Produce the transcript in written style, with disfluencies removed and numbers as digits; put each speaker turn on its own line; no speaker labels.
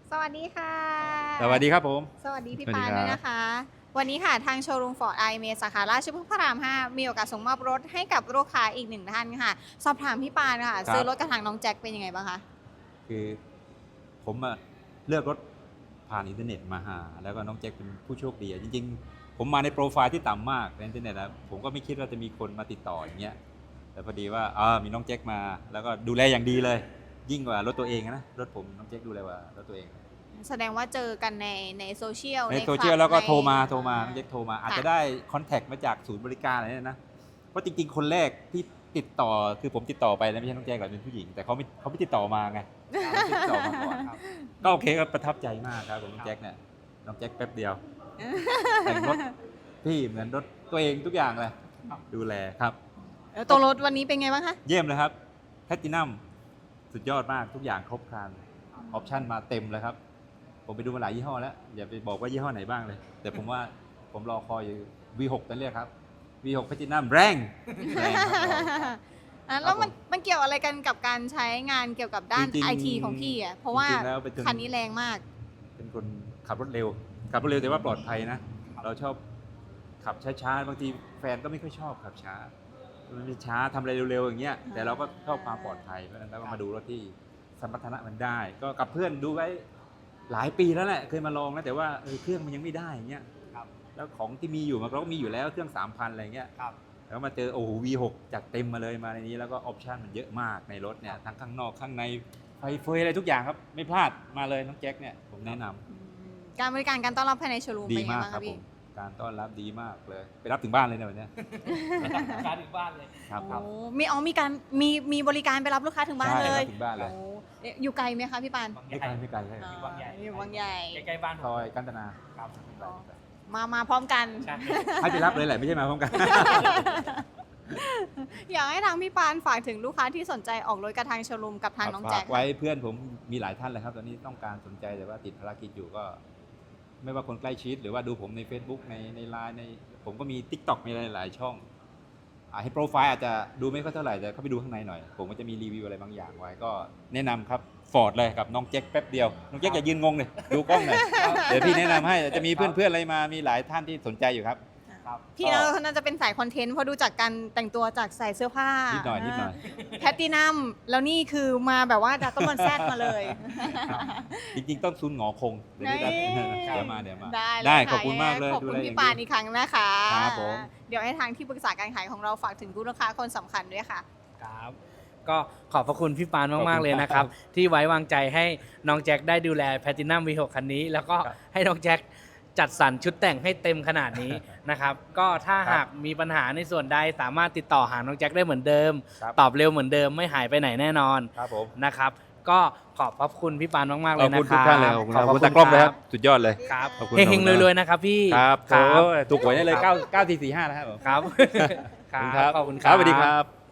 สวัสดีค่ะ
สวัสดีครับผม
สวัสดีพี่
สวัสดี
ปาน
ครับ
ด้วยนะคะ วันนี้ค่ะทางโชว์รูมฟอร์ดไอเมสาขาราชพฤกษ์พระราม 5 มีโอกาสส่งมอบรถให้กับลูกค้าอีกหนึ่งท่านค่ะ สอบถามพี่ปานค่ะ ซื้อรถกระถางน้องแจ็คเป็นยังไงบ้างคะ
คือผมเลือกรถผ่านอินเทอร์เน็ตมาหาแล้วก็น้องแจ็คเป็นผู้โชคดีจริงๆผมมาในโปรไฟล์ที่ต่ำมากในอินเทอร์เน็ตนะผมก็ไม่คิดว่าจะมีคนมาติดต่ออย่างเงี้ยแต่พอดีว่ามีน้องแจ็คมาแล้วก็ดูแลอย่างดีเลย ยิ่งกว่ารถตัวเองนะรถผมน้องแจ็คดูแลกว่ารถตัวเอง
แสดงว่าเจอกันในโซเชียล
ในโซเชียลแล้วก็โทรมาน้อง
ใน
แจ็คโทรมาอาจจะได้คอนแทคมาจากศูนย์บริการอะไรเนี่ยนะเพราะจริงๆคนแรกที่ติดต่อคือผมติดต่อไปแล้วไม่ใช่น้องแจ็คหรอกเป็นผู้หญิงแต่เขาไม่ติดต่อมาไงเขาติดต่อมาก่อนครับก็โอเคก็ประทับใจมากครับผมน้องแจ็คเนี่ยน้องแจ็คแป๊บเดียวแต่งรถพี่เหมือนรถตัวเองทุกอย่างเลยดูแลครับ
ตรงรถวันนี้เป็นไงบ้างคะ
เยี่ยมเลยครับแพลตินัมสุดยอดมากทุกอย่างครบครันออปชั่นมาเต็มเลยครับผมไปดูมาหลายยี่ห้อแล้วอย่าไปบอกว่ายี่ห้อไหนบ้างเลย แต่ผมว่าผมรอคอยอยู่ V6 นั่นเรียกครับ V6 แพลตินัมแรงครับ
แล้วมันเกี่ยวอะไรกันกับการใช้งานเกี่ยวกับด้าน
จริงๆ
ไอทีของพี่อ่ะ เพราะว่า
จริงๆแล้วเป็น
คันนี้แรงมาก
เป็นคนขับรถเร็วแต่ว่าปลอดภัยนะ เราชอบขับช้าๆบางทีแฟนก็ไม่ค่อยชอบขับช้ามันมีช้าทำอะไรเร็วๆอย่างเงี้ยแต่เราก็ชอบความปลอดภัยเพราะฉะนั้นเราก็มาดูรถที่สมรรถนะมันได้ ก็กับเพื่อนดูไว้หลายปีแล้วแหละเคยมาลองแล้วแต่ว่าเครื่องมันยังไม่ได้อย่างเงี้ยแล้วของที่มีอยู่มันก็มีอยู่แล้วเครื่อง 3,000 อะไรเงี้ยแล้วมาเจอโอ้โห V6 จัดเต็มมาเลยมาในนี้แล้วก็ออปชั่นมันเยอะมากในรถเนี่ยทั้งข้างนอกข้างในไฟเฟยอะไรทุกอย่างครับไม่พลาดมาเลยน้องแจ็คเนี่ยผมแนะนำ
การบริการการต้อนรับภายในโชว์รูม
ดี
เป็นยังไง
มาก
บ้าง
ครั
คะ
บผ
พี่
มการต้อนรับดีมากเลยไปรับถึงบ้านเลยเนี่ยวันเนี้ย
การถึงบ้านเลย
ครับ
โอ้มีการมีบริการไปรับลูกค้าถึงบ้านเลย
ใช่ครับถึงบ้านเลย
โอ้อยู่ไกลไหมคะพี่ปาน
บางให
ไม่
ญ่
ไกลไม่ไกลใช่
อยู่บางใหญ่
อยู่บางใหญ่
ใกล้ๆบ้าน
ซอยกันตนา
ครับ
ไม่ไกลไม่ไกล
มาพร้อมกัน
ใช่
ให้ไปรับเลยแหละไม่ใช่มาพร้อมกัน
อยากให้ทางพี่ปานฝากถึงลูกค้าที่สนใจออกรถกระทางโชว์รูมกับทางน้องแจ็
ฝา
ค
กไว้เพื่อนผมมีหลายท่านเลยครับตอนนี้ต้องการสนใจแต่ว่าติดภารกิจอยู่ก็ ไม่ว่าคนใกล้ชิดหรือว่าดูผมใน Facebook ในไลน์ผมก็มี TikTok มีหลายๆช่องให้โปรไฟล์อาจจะดูไม่ค่อยเท่าไหร่แต่เข้าไปดูข้างในหน่อย ผมก็จะมีรีวิวอะไรบางอย่างไว้ก็แนะนำครับฟอร์ดเลยกับน้องแจ็คแป๊บเดียวน้องแจ็คอย่ายืนงงเลยดูกล้องหน่อยเดี๋ยวพี่แนะนำให้จะมีเพื่อนๆอะไรมามีหลายท่านที่สนใจอยู่ครับ
ครับ
พี่น่าจะเป็นสายคอนเทนต์เพราะดูจากการแต่งตัวจากใส่เสื้อผ้า
นิ
นิ
ดหน่อยนิดหน่อย
แพตตินัมแล้วนี่คือมาแบบว่าดัตต้นมันแซดมาเลย
จริงๆต้องซุนหงอคงเดี๋ยวนี้
นี่
เดี๋ยวมาเลย
ได้
ขอบคุณมากเลย
ขอบ
ดู
คุณ
แล
พี่ปานอีกครั้งนะคะ
ครับผม
เดี๋ยวให้ทางที่ปรึกษาการขายของเราฝากถึงผู้ลูกค้าคนสำคัญด้วยค่ะ
ครับ ก็ขอบพระคุณพี่ปาน
ขอบคุณ
มากๆเลยนะครับ ที่ไว้วางใจให้น้องแจ็คได้ดูแลแพทินัม V6 คันนี้ แล้วก็
ครับ
ให้น้องแจ็คจัดสรรชุดแต่งให้เต็มขนาดนี้ นะครับ ก็ถ้า
ครับ
หากมีปัญหาในส่วนใดสามารถติดต่อหาน้องแจ็คได้เหมือนเดิม
ครับ
ตอบเร็วเหมือนเดิมไม่หายไปไหนแน่นอน
ครับผม
นะครับ ก็ขอบพระคุณพี่ปานมากๆ
ข
เล
อย บ
นะ
คุณ
ค
ทุก
รับ
ท่านเลยขอบคุณ
ขอบ
คุณ
พ
ตา
ระ
กล้อง
ค
เลยค
รั
รับ บสุดยอดเลย
ครับ
ขอบคุณ
เฮง
ขอบคุณ
ๆรวยๆนะครับพี่
ครับ
ครับ
ถูกหวยได้เลย9 4 4 5นะครับผม
ครับ
ขอบคุณครับ
ขอบคุณ
ครับสวัสดีครับ